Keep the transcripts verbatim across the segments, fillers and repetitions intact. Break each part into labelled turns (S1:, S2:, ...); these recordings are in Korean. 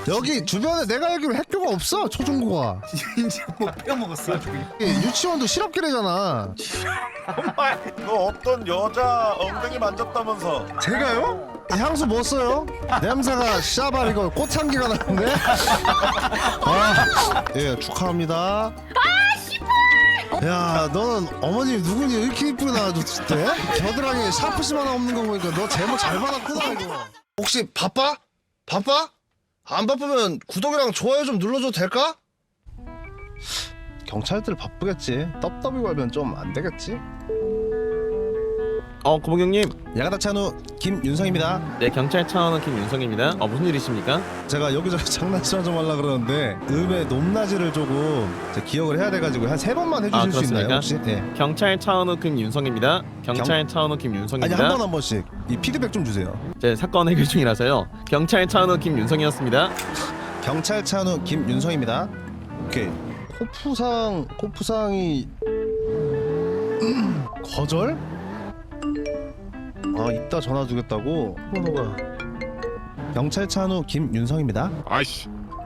S1: 여기 주변에 내가 알기로 학교가 없어. 초중고가.
S2: 이제 뭐 빼먹었어.
S1: 유치원도 실업계래잖아.
S2: 정말.
S3: 너 어떤 여자 엉덩이 만졌다면서?
S1: 제가요? 향수 뭐 써요? 냄새가 샤발 이거 꽃향기가 나는데? 아, 예 축하합니다.
S4: 아 씨발!
S1: 야, 너는 어머님이 누구니 이렇게 이쁘게 나와줬을 때? 겨드랑이에 샤프심 하나 없는 거 보니까 너 제목 잘 받았구나 이거. 혹시 바빠? 바빠? 안 바쁘면 구독이랑 좋아요 좀 눌러줘도 될까? 경찰들 바쁘겠지. 떡더비 걸면 좀 안 되겠지?
S5: 어, 고봉경님.
S1: 야가다 찬우 김윤성입니다.
S5: 네, 경찰 차원은 김윤성입니다. 어, 무슨 일이십니까?
S1: 제가 여기저기 장난치나 좀 하려고 그러는데 음의 높낮이를 조금 제 기억을 해야 돼가지고 한 세 번만 해주실
S5: 아,
S1: 수 있나요
S5: 그렇습니까?
S1: 혹시? 네.
S5: 경찰 차원은 김윤성입니다. 경찰 차원은
S1: 아니
S5: 김윤성입니다.
S1: 한 번 한 번씩 이 피드백 좀 주세요.
S5: 제 사건 해결 중이라서요. 경찰 차원은 김윤성이었습니다.
S1: 경찰 찬우 김윤성입니다. 오케이. 코프상 코프상이 거절? 아 이따 전화 주겠다고? 번호가 경찰 찬우 김윤성입니다.
S3: 아이씨.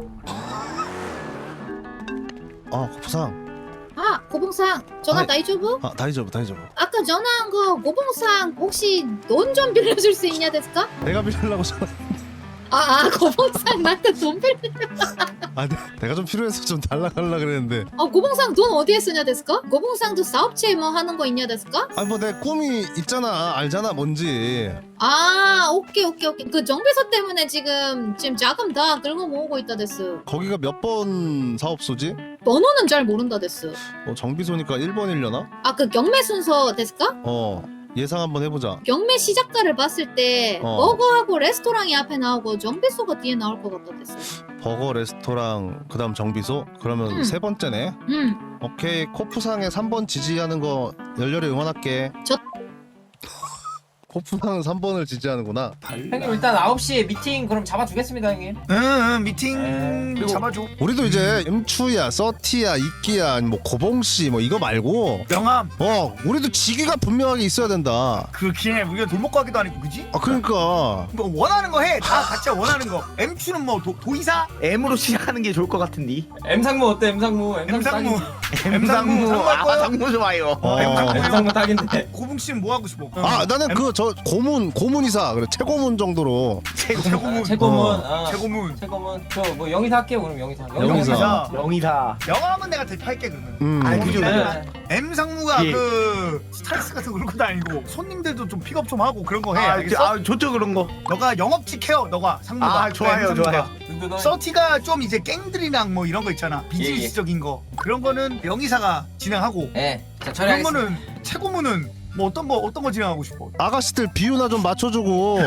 S1: 아 코프상.
S4: 아 고봉상 전화
S1: 아이.
S4: 다이조부?
S1: 아 다이저브 다이저브.
S4: 아까 전화한 거 고봉상 혹시 돈 좀 빌려줄 수 있냐 됐을까?
S1: 내가 빌리려고 전화.
S4: 아, 아 고봉상 나한테 돈 빌려.
S1: 아 내, 내가 좀 필요해서 좀 달라 달라 그랬는데.
S4: 아 고봉상 돈 어디에 쓰냐 됐을까? 고봉상도 사업체 뭐 하는 거 있냐 됐을까?
S1: 아니 뭐 내 꿈이 있잖아. 알잖아 뭔지.
S4: 아 오케이 오케이 오케이 그 정비소 때문에 지금 지금 자금 다 긁어 모으고 있다 됐어.
S1: 거기가 몇 번 사업소지?
S4: 번호는 잘 모른다 됐어.
S1: 어 정비소니까 일 번이려나?
S4: 아 그 경매 순서 됐을까?
S1: 어 예상 한번 해보자.
S4: 경매 시작가를 봤을 때
S1: 어.
S4: 버거하고 레스토랑이 앞에 나오고 정비소가 뒤에 나올 것 같다 됐어.
S1: 버거 레스토랑 그다음 정비소? 그러면
S4: 음.
S1: 세 번째네.
S4: 음
S1: 오케이 코프상에 삼 번 지지하는 거 열렬히 응원할게.
S4: 저-
S1: 코프상은 삼 번을 지지하는구나.
S6: 형님 일단 아홉 시에 미팅 그럼 잡아주겠습니다 형님.
S2: 응, 응 미팅
S6: 에, 그리고-
S2: 잡아줘.
S1: 우리도 이제 음추야, 서티야, 이끼야, 아니 뭐 고봉씨 뭐 이거 말고
S2: 명함.
S1: 어 우리도 직위가 분명하게 있어야 된다.
S2: 그렇긴 해. 우리가 돌먹 가기도 아니고 그지?
S1: 아 그러니까
S2: 뭐 원하는 거 해. 다 각자 원하는 거. 엠추는 뭐 도, 도의사?
S7: M으로 시작하는 게 좋을 것 같은데.
S6: M상무 어때 M상무?
S2: M상무.
S6: 딱이지.
S2: M상무. 상무 할
S7: 아,
S2: 거야?
S7: 상무 좋아요.
S1: 어.
S6: M상무 딱인데.
S2: 고봉 씨는 뭐 하고 싶어?
S1: 아 나는
S2: 엠-
S1: 그 저 고문 고문이사 그래 최고문 정도로.
S2: 최고문.
S6: 최고문.
S1: 어.
S6: 아,
S2: 최고문.
S6: 최고문. 저 뭐 영희사 할게요 그럼 영희사.
S1: 영희사.
S7: 영이사.
S2: 명함은 내가 대표할게 그러면.
S1: 음.
S7: 아, 그죠.
S6: 네.
S2: M 상무가
S7: 예.
S2: 그 스트레스 같은 거 그런 거 다니고 손님들도 좀 픽업 좀 하고 그런 거 해.
S7: 아,
S2: 알겠어?
S7: 아, 좋죠 그런 거.
S2: 너가 영업직 해요. 너가 상무가.
S7: 아, 좋아요,
S2: M 상무가.
S7: 좋아요.
S6: 든든하게.
S2: 서티가 좀 이제 갱들이랑 뭐 이런 거 있잖아. 비즈니스적인 거. 그런 거는 명의사가 진행하고.
S6: 네. 자
S2: 그런
S6: 처리하겠습니다.
S2: 거는 최고문은 뭐 어떤 거 어떤 거 진행하고 싶어?
S1: 아가씨들 비유나 좀 맞춰주고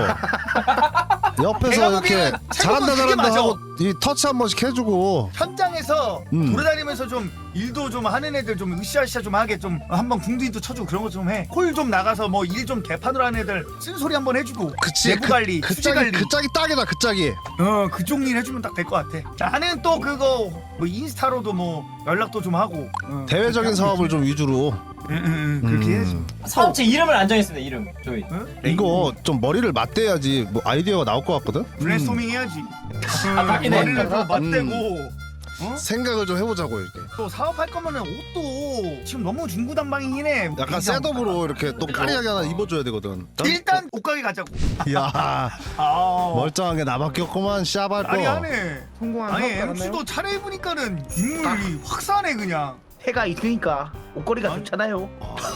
S1: 옆에서
S2: 내가
S1: 이렇게
S2: 보기엔
S1: 잘한다
S2: 최고는 그게
S1: 잘한다
S2: 맞아.
S1: 하고 이 터치 한 번씩 해주고.
S2: 현장에서
S1: 음.
S2: 돌아다니면서 좀 일도 좀 하는 애들 좀 으쌰으쌰 좀 하게 좀 한번 궁둥이도 쳐주고 그런 거 좀 해. 콜 좀 나가서 뭐 일 좀 개판으로 하는 애들 쓴소리 한번 해주고.
S1: 그치
S2: 내부 관리,
S1: 그, 그
S2: 수지
S1: 짝이
S2: 관리.
S1: 그 짝이 딱이다 그 짝이.
S2: 어 그쪽 일 해주면 딱 될 것 같아. 나는 또 그거 뭐 인스타로도 뭐 연락도 좀 하고. 어,
S1: 대외적인
S2: 그렇게
S1: 사업을 좀 위주로.
S2: 응, 응, 응, 그렇게
S1: 음.
S2: 해야지.
S6: 사업체 이름을 안 정했습니다 이름 저희.
S2: 응?
S1: 이거 좀 머리를 맞대야지 뭐 아이디어가 나올 것 같거든.
S2: 브레인스토밍 해야지.
S6: 아, 딱이네.
S2: 머리를 좀 맞대고. 어?
S1: 생각을 좀 해보자고 이렇게.
S2: 또 사업할 거면은 옷도 지금 너무 중구난방이긴 해.
S1: 약간
S2: 그냥
S1: 셋업으로 이렇게 또 까리하게 하나 입어줘야 되거든.
S2: 일단 옷가게 가자고.
S1: 야
S2: 아
S1: 멀쩡한 게 나밖에 없구만 샤발
S2: 아니
S1: 거.
S2: 하네.
S7: 성공한
S2: 아니
S7: 사업 같나요?
S2: 엠씨도 차려입으니까는 인물이 확 사네 그냥.
S7: 해가 있으니까 옷걸이가
S2: 아니.
S7: 좋잖아요.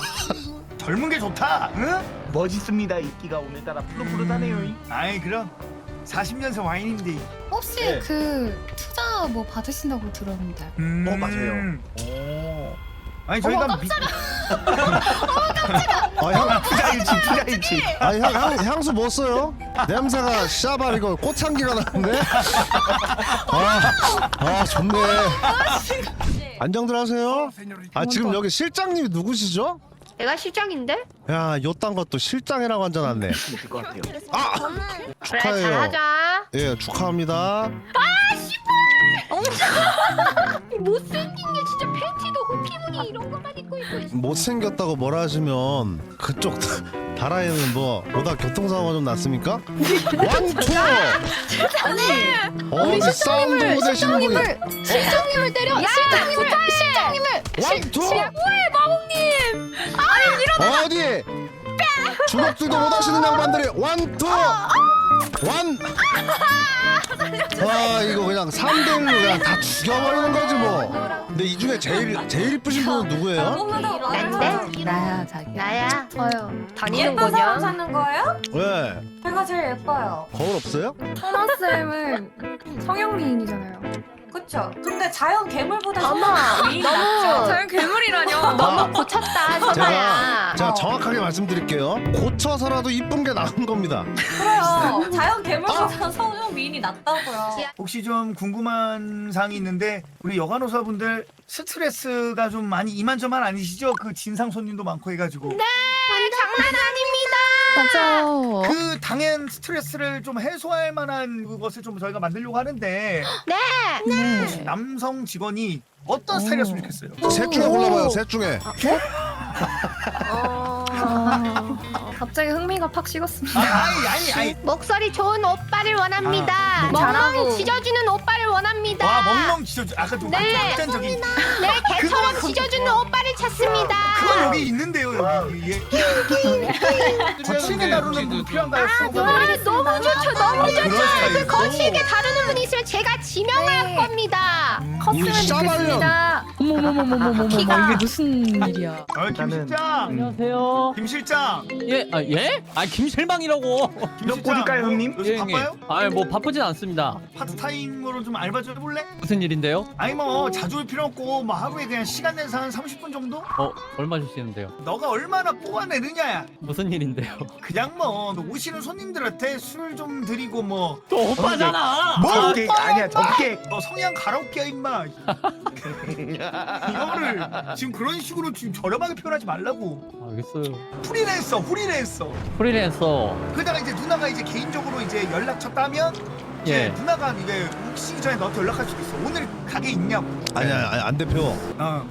S2: 젊은 게 좋다. 응?
S7: 멋있습니다. 인기가 오늘따라 푸릇푸릇하네요.
S2: 아이 그럼 사십 년생 와인인데.
S8: 혹시
S2: 네.
S8: 그 투자 뭐 받으신다고 들었는데.
S2: 음.
S7: 어, 맞아요.
S2: 오. 아니 저희가 미...
S1: 아, 향,
S7: 투자일치, 투자일치.
S1: 아 향, 향, 향수 뭐 써요? 냄새가 샤발 이거 꽃향기가 나는데? 아, 아 좋네. 안정들 하세요. 아 지금 여기 실장님이 누구시죠?
S9: 내가 실장인데?
S1: 야 요딴 것도 실장이라고 앉아놨네.
S7: 될것 같아요.
S1: 아
S9: 그래
S1: 축하해요.
S9: 잘하자.
S1: 예 축하합니다.
S9: 못생긴 게 진짜 팬티도 피부니 이런 것만 입고 있고.
S1: 못생겼다고 뭐라 하시면 그쪽 다라에는 뭐 오다 교통사고가 좀 났습니까? 원투!
S9: 아니
S1: 어디 싸움도 못 하시는 분이
S9: 실장님을 때려. 실장님을 실장님을.
S1: 원투!
S9: 뭐해 마법님.
S1: 어디 주먹질도 못 하시는 양반들이 원투! 원! 아 이거 그냥 삼 대 일로 그냥 다 죽여버리는 거지 뭐. 근데 이 중에 제일 제일 이쁘신 분은 누구예요?
S9: 난데?
S8: 나야 자기.
S9: 나야.
S8: 저요.
S9: 다니는 거냐? 사는 거예요?
S1: 왜?
S9: 제가 제일 예뻐요.
S1: 거울 없어요?
S8: 선아 쌤은 성형미인이잖아요.
S9: 그쵸? 근데 자연 괴물보다 어머 미인이 낫죠.
S8: 자연 괴물이라뇨.
S9: 너무 고쳤다
S1: 제가
S9: 선아야.
S1: 제가 정확하게 말씀드릴게요. 고쳐서라도 이쁜 게 나은 겁니다.
S9: 그래요. 자연 괴물보다 성형 미인이 낫다고요.
S2: 혹시 좀 궁금한 사항이 있는데 우리 여간호사분들 스트레스가 좀 많이 이만저만 아니시죠? 그 진상 손님도 많고 해가지고
S9: 네, 장난 아닙니다.
S8: 맞아요.
S2: 그 당연 스트레스를 좀 해소할 만한 그것을 좀 저희가 만들려고 하는데
S9: 네.
S2: 혹시 남성 직원이 어떤 스타일이었으면 좋겠어요?
S1: 셋 중에 골라봐요. 셋 중에.
S9: 어...
S8: 갑자기 흥미가 팍 식었습니다.
S2: 아, 아니 아니 아니
S9: 목소리 좋은 오빠를 원합니다.
S8: 아,
S9: 멍멍
S8: 잘하고.
S9: 찢어주는 오빠를 원합니다.
S2: 와 멍멍 찢어주 아까 좀
S9: 네.
S2: 극단적인
S9: 네, 개처럼 찢어주는 오빠를 찾습니다.
S2: 그건 여기 있는데요 여기 예. 거칠게 다루는 분 필요한가요?
S9: 아, 너무 좋죠, 너무 좋죠.
S2: 그런 스타일이고.
S9: 그 거칠게 다루는 분이 있으면 제가 지명할
S8: 네.
S9: 겁니다.
S8: 컸으면
S1: 샤발년.
S8: 좋겠습니다. 어머머머머머머머
S9: 키가.
S8: 이게 무슨 일이야?
S2: 아, 김
S7: 나는-
S2: 실장
S10: 안녕하세요.
S2: 김 실장
S10: 예, 아 예? 아 김실망이라고.
S2: 김
S7: 몇 꼴일까요, 형님?
S2: 요즘
S10: 예, 형님.
S2: 바빠요?
S10: 아, 뭐 바쁘진 않습니다.
S2: 파트타임으로 좀 알바 좀 해볼래?
S10: 무슨 일인데요?
S2: 아니 뭐 자주 올 필요 없고 뭐 하루에 그냥 시간 내서 한 삼십 분 정도?
S10: 어, 얼마 주시는데요?
S2: 너가 얼마나 뽑아내느냐야.
S10: 무슨 일인데요?
S2: 그냥 뭐 너 오시는 손님들한테 술 좀 드리고 뭐
S10: 또 오빠잖아.
S2: 뭐
S7: 적게 아니야 적게.
S2: 너 성향 가라오케야 임마. 이거를 지금 그런 식으로 지금 저렴하게 표현하지 말라고.
S10: 알겠어요.
S2: 프리랜서 프리랜서.
S10: 프리랜서.
S2: 그러다가 이제 누나가 이제 개인적으로 이제 연락처 따면 이제
S10: 예.
S2: 누나가 이제 오시기 전에 너한테 연락할 수도 있어. 오늘 가게 있냐고.
S1: 아니야 아니, 안 대표.
S2: 어.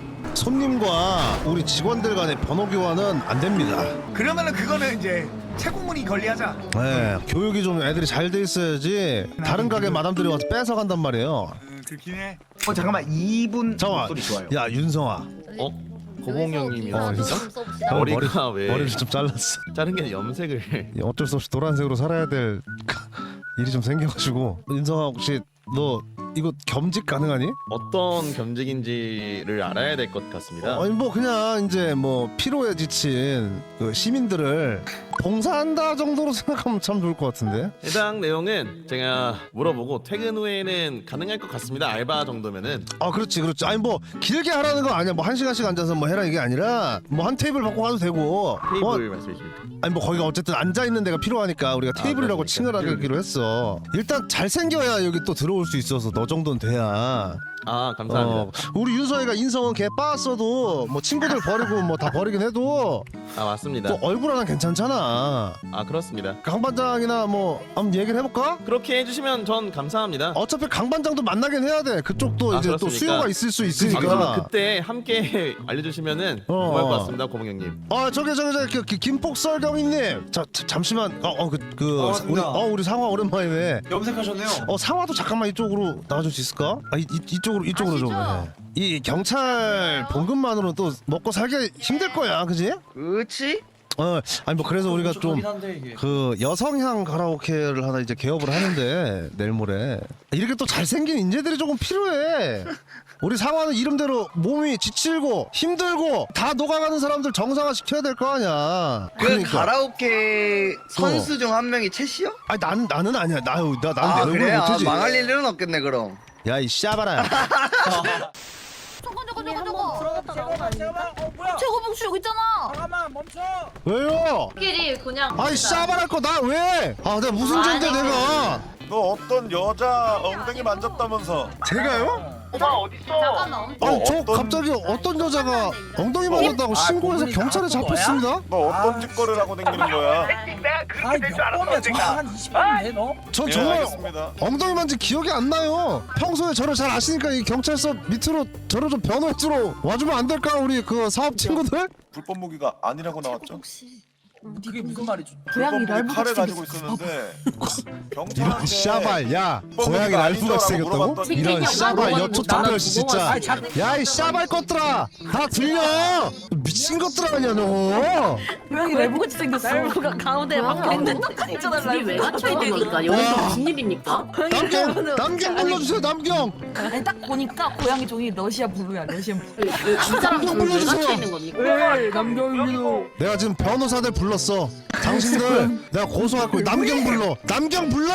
S1: 손님과 우리 직원들 간의 번호 교환은 안 됩니다.
S2: 그러면은 그거는 이제 채공문이 걸리하자.
S1: 네, 교육이 좀 애들이 잘 돼 있어야지 다른 가게 마담들이 와서 뺏어 간단 말이에요.
S2: 음, 그렇긴 해.
S7: 어 잠깐만 이분
S1: 잠깐만.
S7: 목소리 좋아요.
S1: 야 윤성아,
S5: 어? 고봉형님이
S1: 어, 진짜? 형
S5: 머리가 왜
S1: 머리를 좀 잘랐어.
S5: 자른 게 염색을
S1: 어쩔 수 없이 노란색으로 살아야 될 일이 좀 생겨가지고. 윤성아 혹시 너 이거 겸직 가능하니?
S5: 어떤 겸직인지를 알아야 될 것 같습니다.
S1: 아니 뭐 그냥 이제 뭐 피로에 지친 그 시민들을 봉사한다 정도로 생각하면 참 좋을 것 같은데.
S5: 해당 내용은 제가 물어보고 퇴근 후에는 가능할 것 같습니다. 알바 정도면은.
S1: 아 그렇지 그렇지. 아니 뭐 길게 하라는 거 아니야. 뭐 한 시간씩 앉아서 뭐 해라 이게 아니라 뭐 한 테이블 받고 가도 되고.
S5: 테이블
S1: 어,
S5: 말씀이십니까?
S1: 아니 뭐 거기가 어쨌든 앉아 있는 데가 필요하니까 우리가
S5: 아,
S1: 테이블이라고
S5: 그렇습니까?
S1: 칭을 하기로 했어. 일단 잘 생겨야 여기 또 들어올 수 있어서 너 정도는 돼야.
S5: 아 감사합니다.
S1: 어, 우리 윤서이가 인성은 개 빠았어도 뭐 친구들 버리고 뭐 다 버리긴 해도
S5: 아 맞습니다.
S1: 또 얼굴 하나 괜찮잖아.
S5: 아 그렇습니다.
S1: 강 반장이나 뭐 한번 얘기를 해볼까?
S5: 그렇게 해주시면 전 감사합니다.
S1: 어차피 강 반장도 만나긴 해야 돼. 그쪽도
S5: 아,
S1: 이제 또
S5: 그렇습니까?
S1: 수요가 있을 수
S5: 아,
S1: 있으니까.
S5: 그러면 그때 함께 알려주시면은
S1: 어,
S5: 고마울 것
S1: 어.
S5: 같습니다, 고봉형님.
S1: 아 저기 저기 저기 그, 그 김폭설 경위님. 자, 자 잠시만. 어어그 그, 우리 어 우리 상화 오랜만이네.
S2: 염색하셨네요.
S1: 어 상화도 잠깐만 이쪽으로 나와줄 수 있을까? 아 이, 이, 이쪽으로 이쪽으로 좀 해. 이 경찰 봉급만으로는 또 먹고 살기 힘들 거야, 그지?
S7: 그렇지?
S1: 어 아니 뭐 그래서 우리가 좀
S6: 한데 이게.
S1: 그 여성향 가라오케를 하나 이제 개업을 하는데 내일 모레 이렇게 또 잘생긴 인재들이 조금 필요해. 우리 상화는 이름대로 몸이 지칠고 힘들고 다 녹아가는 사람들 정상화 시켜야 될 거 아니야.
S11: 그 가라오케 선수 중 한 명이 채씨요?
S1: 아니 나는 나는 아니야. 나나 나는
S11: 아
S1: 내
S11: 그래?
S1: 얼굴
S11: 아,
S1: 못하지.
S11: 망할 일은 없겠네 그럼.
S1: 야 이 씨아바라.
S9: 저거 저거 저거 저거 들어갔다 나온 거 아닙니까? 저거 봉수 여기 있잖아.
S2: 잠깐만 멈춰.
S1: 왜요?
S9: 끼리 그냥
S1: 아이 씨아바랄 거 나 왜? 아 내가 무슨 죄인데 내가?
S3: 너 어떤 여자 엉덩이 만졌다면서?
S1: 제가요?
S9: 잠깐만.
S1: 아니 저
S3: 어떤-
S1: 갑자기 어떤 여자가 엉덩이 만졌다고 신고해서 경찰에 잡혔습니다.
S3: 너 어떤 짓거리를 하고 다니는 거야?
S2: 아이 몇 번이야 정말 한 이십 분 돼 너?
S1: 전
S3: 예,
S1: 정말
S3: 알겠습니다.
S1: 엉덩이 만진 기억이 안 나요. 평소에 저를 잘 아시니까 이 경찰서 밑으로 저를 좀 변호해주러 와주면 안 될까 우리 그 사업 친구들?
S3: 불법 무기가 아니라고 나왔죠?
S2: 그게 무슨 말이죠?
S3: 불법 무기 칼을 가지고 있었는데
S1: 이런
S3: 경찰한테
S1: 샤발 야
S3: 불법
S1: 고양이
S3: 무기가
S1: 날부같이
S3: 아니죠라고
S1: 생겼다고?
S3: 물어봤더니
S1: 이런 샤발 여초 닭별씨 진짜.
S2: 아이, 자-
S1: 야 이 샤발 것들아 다 들려. 미친 것들 아니야 너.
S8: 고양이 레보같이 생겼어. 가운데 막 있는 있잖아.
S9: 둘이 왜 갇혀 있는 겁니까?
S1: 와.
S9: 여기서 무슨 일입니까?
S1: 남경 남경 불러주세요 남경.
S8: 아니 딱 보니까 고양이 종이 러시아 블루야. 러시안 블루.
S9: 두 사람
S1: 남경
S9: 둘왜
S1: 불러주세요.
S9: 갇혀 있는 겁니까?
S8: 네, 남경이도.
S1: 내가 지금 변호사들 불렀어. 당신들 내가 고소할 거야. 남경 불러. 남경 불러.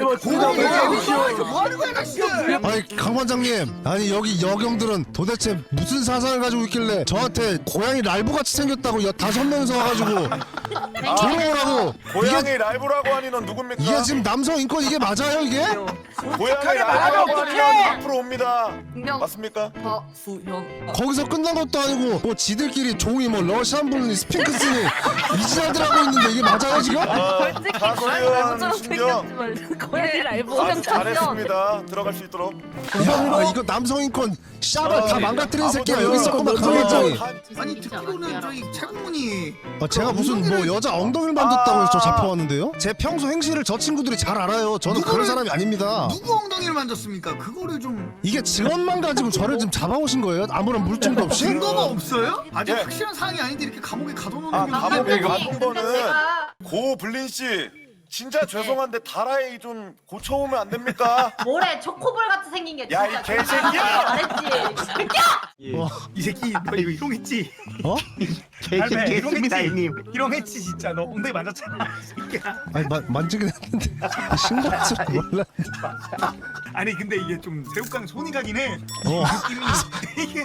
S2: 뭐 하는 거야 낚시?
S1: 아니 강 반장님, 아니 여기 여경들은 도대체 무슨 사상을 가지고 있길래 저한테 고양이 랄부 같이 생겼다고 여 다섯 명이서 와가지고 조롱하라고.
S3: 고양이 라이브라고 하니 넌 누굽니까?
S1: 이게 지금 남성 인권 이게 맞아요 이게?
S3: 고양이 라이브라고 하니 넌 앞으로 옵니다. 맞습니까?
S8: 수형.
S1: 거기서 끝난 것도 아니고 뭐 지들끼리 종이 뭐 러시안 블루니 스핑크스니 이지랄들 하고 있는데 이게 맞아요 지금?
S3: 아, 사소리원 신경
S8: 고양이 라이브
S3: 아주 잘했습니다. 들어갈 수 있도록.
S1: 야 이거 남성 인권 샤발 다 망가뜨린 새끼가 여기 있었구만 강
S3: 어,
S1: 반장이.
S2: 아니 듣기로는 저희 최고문이
S1: 어, 제가 무슨 뭐 여자 엉덩이를 만졌다고 해서 저 잡혀왔는데요? 제 평소 행실을 저 친구들이 잘 알아요. 저는 그런
S2: 누구를-
S1: 사람이 아닙니다.
S2: 누구 엉덩이를 만졌습니까? 그거를 좀
S1: 이게 증언만 가지고 저를 지금 잡아오신 거예요? 아무런 물증도 없이?
S2: 증거가 없어요? 아직
S3: 예.
S2: 확실한 사항이 아닌데 이렇게 감옥에 가둬놓는
S3: 아
S2: 게
S3: 감옥에
S2: 무슨-
S3: 가둔 거는 고 블린 씨 진짜 죄송한데 다라이 좀 고쳐오면 안 됩니까?
S9: 뭐래 초코볼 같이 생긴 게
S3: 야, 이 개새끼야!
S9: 잘했지.
S2: 이 새끼 너 이거 이용했지?
S1: 어?
S7: 개새끼입니다 형님.
S2: 이용했지 진짜 너 엉덩이 만졌잖아 이 새끼야.
S1: 아니 마, 만지긴 했는데 신고할 줄 몰라.
S2: 아니 근데 이게 좀 새우깡 손이 가긴 해.
S1: 어.
S2: 느낌이 이게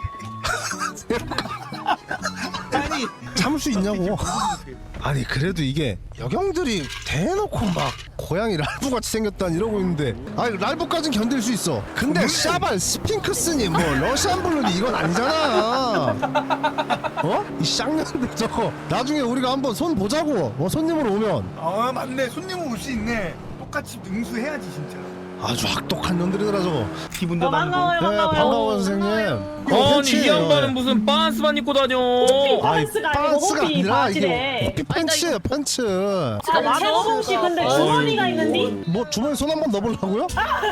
S2: 아니
S1: 참을 수 있냐고. 아니 그래도 이게 여경들이 대놓고 막 고양이 랄부같이 생겼다니 이러고 있는데 아니 랄부까진 견딜 수 있어. 근데 샤발 스핑크스니 뭐 러시안 블루니 이건 아니잖아. 어? 이 쌍년들 저거 나중에 우리가 한번 손 보자고. 어 손님으로 오면
S2: 아 맞네 손님 올 수 있네. 똑같이 응수해야지 진짜.
S1: 아주 악독한 년들이더라 저거.
S7: 기분도 나고.
S1: 네 반가워요 선생님. 이거
S10: 아니 이
S1: 팬츠예요.
S10: 양반은 무슨 빤스만 입고 다녀.
S1: 아니 빤스가 아니라 이게 호피 팬츠예요 팬츠.
S9: 아, 최고봉 씨 근데 주머니가 있는데?
S1: 뭐 주머니 손 한번 넣어보려고요?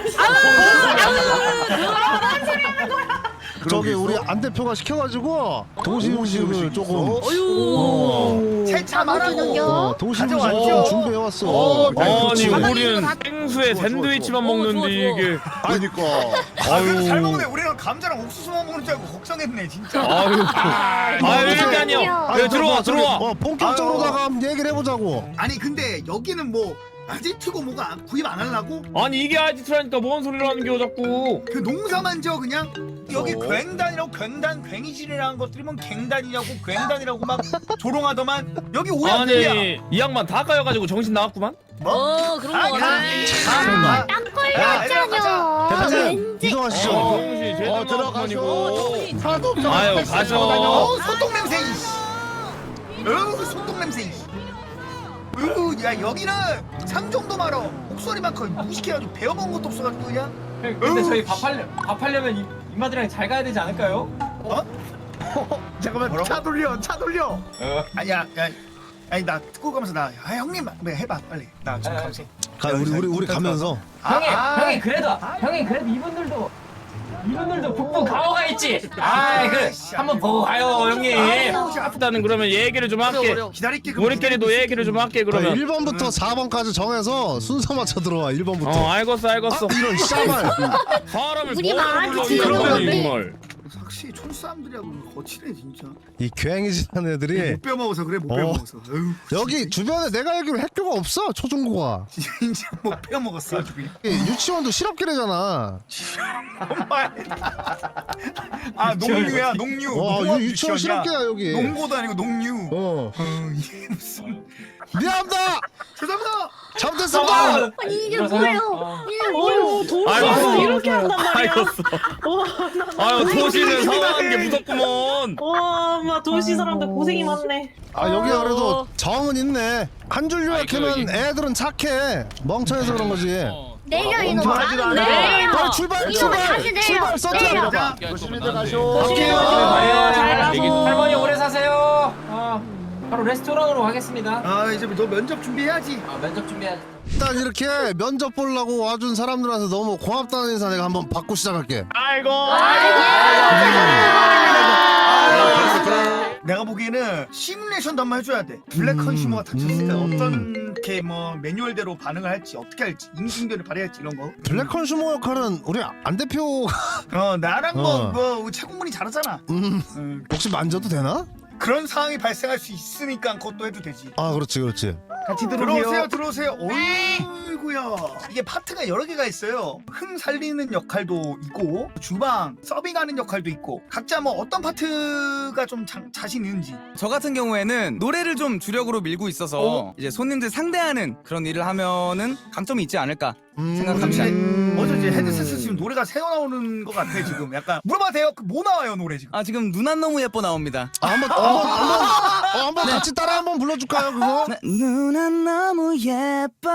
S1: 저기 우리 안 대표가 시켜가지고 도시음식을 조금 어,
S2: 세차 말하고
S1: 어, 도시음식을
S2: 가져왔죠?
S1: 좀 준비해왔어.
S10: 아니
S1: 그렇지.
S10: 우리는 생수에 샌드위치만 먹는데 이게.
S1: 그러니까
S2: 아 그래도 잘 먹네. 우리는 감자랑 옥수수만 먹는 줄 알고 걱정했네 진짜.
S10: 아유. 아유 일단요.
S1: 아니,
S10: 네, 들어와
S1: 뭐, 저기,
S10: 들어와.
S1: 어, 본격적으로다가 한번 얘기를 해보자고.
S2: 아니 근데 여기는 뭐 아지트고 뭐가 구입 안 하려고?
S10: 아니 이게 아지트라니까 뭔 소리를 하는 겨 자꾸.
S2: 그 농사만 져 그냥 여기
S1: 어.
S2: 굉단이라고 굉단 괭이질이라는 것들이 뭐 갱단이냐고 굉단이라고 막 조롱하더만 여기 오야들이야.
S10: 아니 이 양반 다 까여가지고 정신 나갔구만.
S8: 어 그런 거 같아.
S1: 설마.
S9: 땀
S1: 대표님 이동하시죠.
S10: 어, 정신 제대로
S1: 어, 들어가시고. 하나도 없어.
S10: 아유 가죠.
S2: 어 소똥 냄새 이씨. 어우 소똥 냄새 이씨. 어우 야 여기는 삼종도 말어 목소리만 거의 무식해가지고 배워본 것도 없어가지고 그냥.
S6: 근데 저희 밥하려 밥하려면 이- 이마들이랑 잘 가야 되지 않을까요?
S7: 잠깐만
S2: 뭐라고?
S7: 차 돌려 차 돌려.
S2: 아니야 야 아니 나 듣고 가면서 나 아 형님 네, 해봐 빨리 나 지금
S6: 아,
S2: 가면서.
S1: 가 우리 우리 우리 가면서.
S6: 형님
S2: 아,
S6: 형님 그래도 형님 그래도 이분들도 이분들도 북부 강호가 있지. 아 그래 한번 보고 가요 형님.
S10: 일단은 그러면 얘기를 좀 할게.
S2: 기다릴게. 그럼
S10: 우리끼리도 얘기를 좀 할게
S1: 그러면
S10: 그러면.
S1: 일 번부터 사 번까지 정해서 순서 맞춰 들어와. 일 번부터.
S10: 어 알겠어 알겠어.
S1: 아, 이런 샤발.
S10: 사람을
S9: 우리
S10: 뭐하러
S9: 말하지
S10: 불러
S9: 그러면
S10: 이러니
S9: 돼.
S10: 정말.
S2: 확실히 촌사람들이하고 거칠해 진짜.
S1: 이 괴행이지한 애들이
S2: 못 빼먹어서 그래 못
S1: 어.
S2: 빼먹어서. 어휴,
S1: 여기 주변에 내가 알기로 학교가 없어 초중고가.
S2: 진짜 못 빼먹었어 아주 그냥.
S1: 유치원도 실업계래잖아.
S2: 정말. 아 농류야 농류.
S1: 와
S2: 농업
S1: 유, 유치원
S2: 유치원이야.
S1: 실업계야 여기.
S2: 농고도 아니고 농류.
S1: 어
S2: 어 이게 무슨.
S1: 미안합니다.
S2: 죄송합니다.
S1: 잘못했습니다.
S9: 아니 이게
S6: 일어서요.
S9: 뭐예요?
S6: 어.
S8: 어휴 도시
S10: 아이고.
S8: 이렇게 한단 말이야.
S10: 아이고스. 아유 도시는 성한 게 무섭구먼.
S8: 와, 마 도시 사람들 고생이 많네.
S1: 아 여기가 그래도 정은 있네. 한 줄 요약하면 애들은 착해. 멍청해서 그런 거지.
S9: 내려 이놈아.
S7: 멍청하지도 않아.
S9: 내려.
S1: 빨리 출발
S9: 이놈아
S1: 출발
S9: 다시 내려.
S1: 출발 서트야.
S9: 내려.
S7: 자, 조심히들 가쇼.
S1: 갈게요.
S8: 잘 가고.
S6: 얘기- 할머니 오래 사세요. 어, 바로 레스토랑으로 가겠습니다.
S2: 아 이제 너 면접 준비해야지.
S6: 아, 면접 준비해야지.
S1: 일단 이렇게 면접 보려고 와준 사람들한테 너무 고맙다는 인사 내가 한번 받고 시작할게.
S7: 아이고.
S2: 내가 보기에는 시뮬레이션도 한번 해줘야 돼. 블랙 컨슈머가 닥쳤으니까 어떻게 뭐 매뉴얼대로 반응을 할지 어떻게 할지 인지응변을 발휘할지 이런 거.
S1: 블랙 컨슈머 역할은 우리 안 대표
S2: 어 나랑
S1: 어.
S2: 뭐, 뭐 최고문이 잘하잖아.
S1: 음,
S2: 음,
S1: 혹시 만져도 되나?
S2: 그런 상황이 발생할 수 있으니까 그것도 해도 되지.
S1: 아 그렇지 그렇지.
S7: 같이
S2: 들어오세요
S7: 들어오세요.
S2: 들어오세요. 어이구야. 이게 파트가 여러 개가 있어요. 흥 살리는 역할도 있고 주방 서빙하는 역할도 있고 각자 뭐 어떤 파트가 좀 자, 자신 있는지.
S12: 저 같은 경우에는 노래를 좀 주력으로 밀고 있어서
S2: 어?
S12: 이제 손님들 상대하는 그런 일을 하면은 강점이 있지 않을까
S1: 음,
S12: 생각합니다.
S2: 어제 이제 헤드셋 쓰시면 노래가 새어 나오는 것 같아 지금. 약간 물어봐도 돼요? 그 뭐 나와요 노래 지금?
S12: 아 지금 눈 안 너무 예뻐 나옵니다.
S1: 아, 한번 한번 한번 어, 한번 같이 따라 한번 불러줄까요 그거?
S12: 네, 눈 안 너무 예뻐.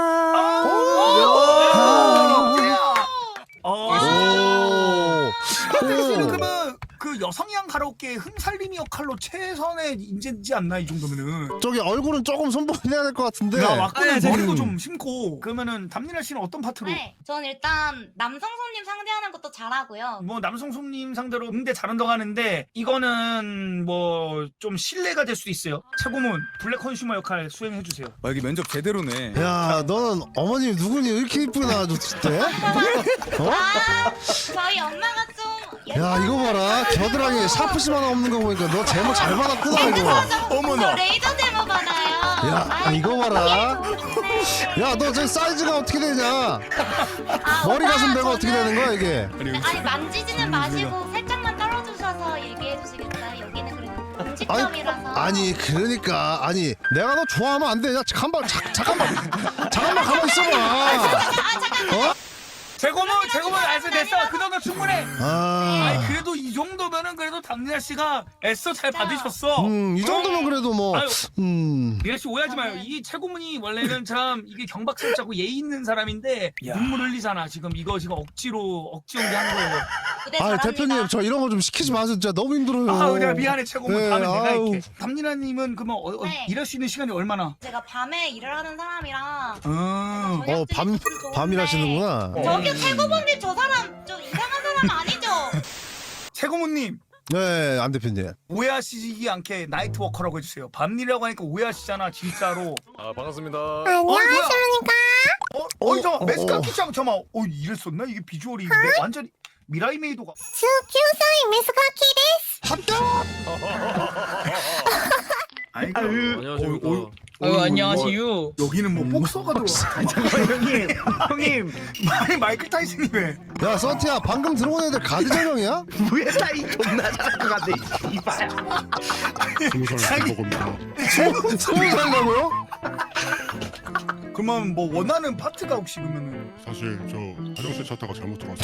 S2: 어.
S1: 오.
S2: 근데
S1: 오.
S2: 그러면 그 여성향 가라오케 흥살림이 역할로 최선의 인재지 않나 이 정도면은.
S1: 저기 얼굴은 조금 손보내야 될 것 같은데.
S2: 야 왁구는
S12: 네,
S2: 머리도
S1: 음.
S2: 좀 심고. 그러면은 담미라 씨는 어떤 파트로?
S9: 네, 전 일단 남성 손님 상대하는 것도 잘하고요.
S2: 뭐 남성 손님 상대로 응대 잘한다고 하는데 이거는 뭐 좀 신뢰가 될 수도 있어요. 최고문 블랙 컨슈머 역할 수행해 주세요.
S12: 와, 여기 면접 제대로네.
S1: 야 너는 어머님이 누구니 이렇게 이쁘게 나와줬을 때? 어?
S9: 아, 저희 엄마가 좀.
S1: 야 이거 봐라 겨드랑이에 샤프심 하나 없는 거 보니까 너 제목 잘 받았구나 이거.
S9: 어머나. 레이저 데모 받아요.
S1: 야
S9: 아이,
S1: 이거 봐라.
S9: 좋네.
S1: 야 너 저 사이즈가 어떻게 되냐?
S9: 아,
S1: 머리
S9: 오빠,
S1: 가슴 배가 어떻게
S9: 저는-
S1: 되는 거야 이게?
S9: 아니 만지지는 마시고 살짝만 떨어주셔서 얘기해 주시겠어요? 여기는 그래도 음식점이라서.
S1: 아니 그러니까 아니 내가 너 좋아하면 안 돼. 야 잠깐만 자, 잠깐만 잠깐만 가만 있어봐.
S9: 아 잠깐.
S1: 어?
S2: 최고문 최고문 알았어 됐어 그 정도 충분해.
S1: 아,
S2: 아니 그래도 이 정도면은 그래도 담미라 씨가 애써 잘 받으셨어.
S1: 음, 이 정도면 그래도 뭐,
S2: 아유.
S1: 음,
S2: 미라 씨 오해하지 마요. 이 최고문이 원래는 참 이게 경박스럽고 예의 있는 사람인데 눈물 흘리잖아. 지금 이거 지금 억지로 억지 연기하는 거예요.
S9: 무대
S1: 아
S9: 잘합니다.
S1: 대표님 저 이런 거 좀 시키지 마세요. 진짜 너무 힘들어요.
S2: 아, 내가 미안해 최고문.
S1: 네,
S2: 다음에 내가
S1: 아유.
S2: 할게. 담미라님은 그러면 어, 어,
S9: 네.
S2: 일할 수 있는 시간이 얼마나?
S9: 제가 밤에 일을 하는 사람이라.
S2: 음.
S1: 어, 밤, 밤이라시는구나.
S9: 저기 최고봉님 저 사람 좀 이상한 사람 아니죠?
S2: 최고문님
S1: 네, 안 대표님.
S2: 오해하시지 않게 나이트 워커라고 해주세요. 밤일이라고 하니까 오해하시잖아 진짜로.
S3: 아 반갑습니다.
S9: 안녕하십니까?
S2: 어? 어이 저
S1: 어,
S2: 메스카
S1: 어.
S2: 키짱 잠깐만. 어 이랬었나? 이게 비주얼이 뭐 완전히 미라이 메이도가. 아이고.
S10: 안녕하십니까.
S2: 어, 어,
S8: 아유,
S2: 어,
S8: 안녕하세요.
S2: 여기는 뭐 복서가 들어와.
S7: 잠깐만 형님. 형님.
S2: 아니 마이클 타이슨이 왜?
S1: 야, 서티야, 방금 들어온 애들 가드 전형이야?
S7: 무예 사이 존나 잘할 것 같네. 이발.
S3: 스무 살 먹읍니다.
S1: 스무 스무 살이라고요?
S2: 그러면 뭐 원하는 파트가 혹시 그러면은
S3: 사실 저 화장실 찾다가 잘못 들어왔어요.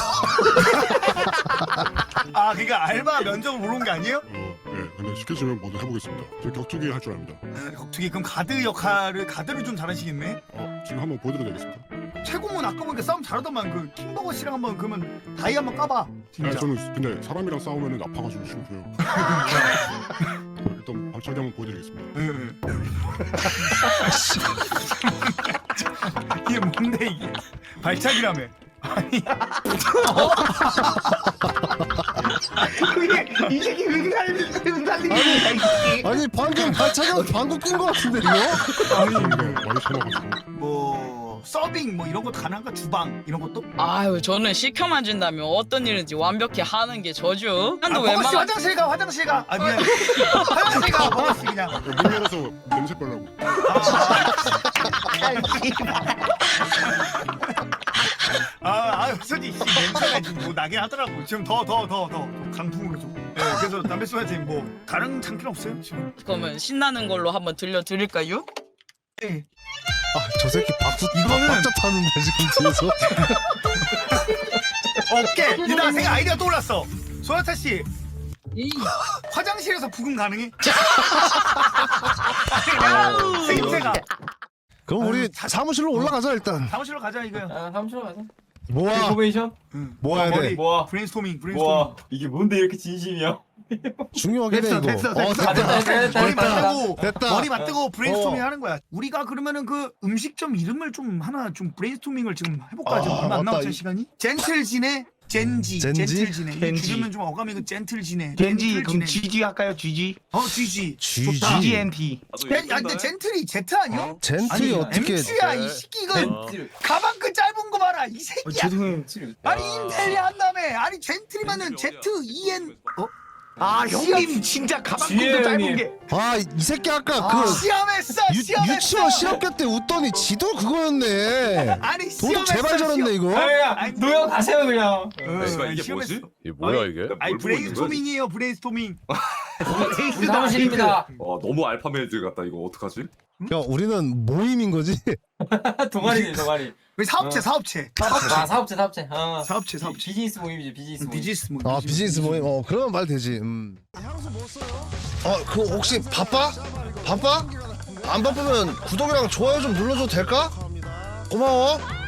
S2: 아 그러니까 알바 면접을 보러 온 게 아니에요?
S3: 어, 네, 근데 시켜주면 모두 해보겠습니다. 저 격투기 할 줄 압니다.
S2: 아, 격투기 그럼 가드 역할을 가드를 좀 잘하시겠네?
S3: 어, 지금 한번 보여드려도 되겠습니다.
S2: 최고문 아까 보니까 싸움 잘하더만 그 킹버거 씨랑 한번 그러면 다이 한번 까봐 진짜.
S3: 아, 저는 근데 사람이랑 싸우면은 아파가지고 싫고요. 일단 발차기 한번 보여드리겠습니다.
S2: 응. 이게 뭔데 이게 발차기라며. 아니
S7: 그게 이 새끼 은살림 은살림이야 이 새끼.
S1: 아니, 방금 발차기랑 방구 낀 거 같은데, 이거?
S3: 아니 많이 참아가지고.
S2: 뭐 서빙 뭐 이런 것도 가능한가? 주방 이런 것도?
S8: 아유, 저는 시켜만 준다면 어떤 일인지 완벽히 하는 게 저죠.
S2: 아
S8: 한도
S2: 버거씨
S8: 웬만한.
S2: 화장실 가 화장실 가. 아 미안. 화장실 가 버거씨 그냥.
S3: 문 열어서 냄새 빨라고.
S2: 아, 아, 솔직히 씨, 냄새가 지금 뭐 나긴 하더라고. 지금 더, 더, 더, 더 강풍으로 좀. 네, 그래서 담배 쏘야지 뭐 다른 장기는 없어요 지금.
S8: 그러면 신나는 걸로 한번 들려드릴까요?
S2: 네.
S1: 저 새끼 박수 이거는 박자 타는데 지금 뒤에서.
S2: 오케이. 얘들아 생각 아이디어 떠올랐어. 소나타 씨. 화장실에서 부금 가능해? 생태가.
S1: 그럼 우리 사무실로 올라가자 일단.
S2: 사무실로 가자 이거야.
S6: 아 사무실로 가자.
S1: 모아.
S6: 인포메이션.
S1: 모아야 돼.
S2: 머리.
S6: 모아.
S2: 브레인스토밍. 브레인스토밍.
S6: 와 이게 뭔데 이렇게 진심이야?
S1: 중요하게 돼
S2: 됐어,
S1: 이거.
S2: 됐어,
S1: 어,
S2: 됐어.
S6: 아, 됐다, 됐다, 됐다,
S2: 머리
S6: 됐다.
S2: 맞대고
S1: 됐다.
S2: 머리 맞대고 브레인스토밍
S1: 어.
S2: 하는 거야. 우리가 그러면은 그 음식점 이름을 좀 하나 좀 브레인스토밍을 지금 해볼까?
S1: 아,
S2: 지금 얼마 안
S1: 맞다.
S2: 남았죠 시간이? 젠틀진의 젠지.
S1: 젠지?
S2: 젠틀진의. 이
S7: 젠지.
S2: 줄이면 좀 어감이 그 젠틀진의.
S7: 젠지 그럼
S2: 젠틀진의.
S7: 지지 할까요? 지지.
S2: 어 지지.
S1: 쥐지.
S7: 지지엔티.
S2: 야 근데 젠틀이 제트 아니야?
S1: 젠틀이
S2: 아니
S1: 어떻게?
S2: 엠씨야 이 새끼 이거 가방 그 짧은 거 봐라 이 새끼야.
S6: 죄송해요.
S2: 아니 인텔리 한다며. 아니 젠틀이면은 제트 이엔 어?
S7: 아 형님 진짜 가방끈도
S6: 지혜
S7: 짧은
S6: 형님.
S7: 게.
S1: 아 이 새끼 아까
S2: 아,
S1: 그
S2: 시험했어
S1: 유,
S2: 시험했어.
S1: 유치원 실업계 때 웃더니 지도 그거였네.
S2: 아니
S1: 도둑
S2: 시험했어,
S1: 제발 저랬네
S2: 시험.
S1: 이거.
S6: 아야 노형 가세요 그냥.
S2: 어,
S10: 이게
S2: 시험했어.
S10: 뭐지? 이게 뭐야 이게?
S2: 아니 브레인스토밍이에요 브레인스토밍.
S6: 우리 사무실입니다.
S10: 어 너무 알파메드 같다 이거 어떡하지?
S1: 야 우리는 모임인 거지.
S6: 동아리네 동아리.
S2: 우리 사업체
S6: 어.
S2: 사업체.
S6: 아 사업체 사업체. 어.
S2: 사업체 사업체.
S6: 비즈니스 모임이지 비즈니스 모임.
S2: 비즈니스 모임.
S1: 아 비즈니스 모임. 어 그러면 말 되지. 음. 향수 뭐 써요? 어 그거 혹시 바빠? 바빠? 안 바쁘면 구독이랑 좋아요 좀 눌러줘도 될까? 고마워.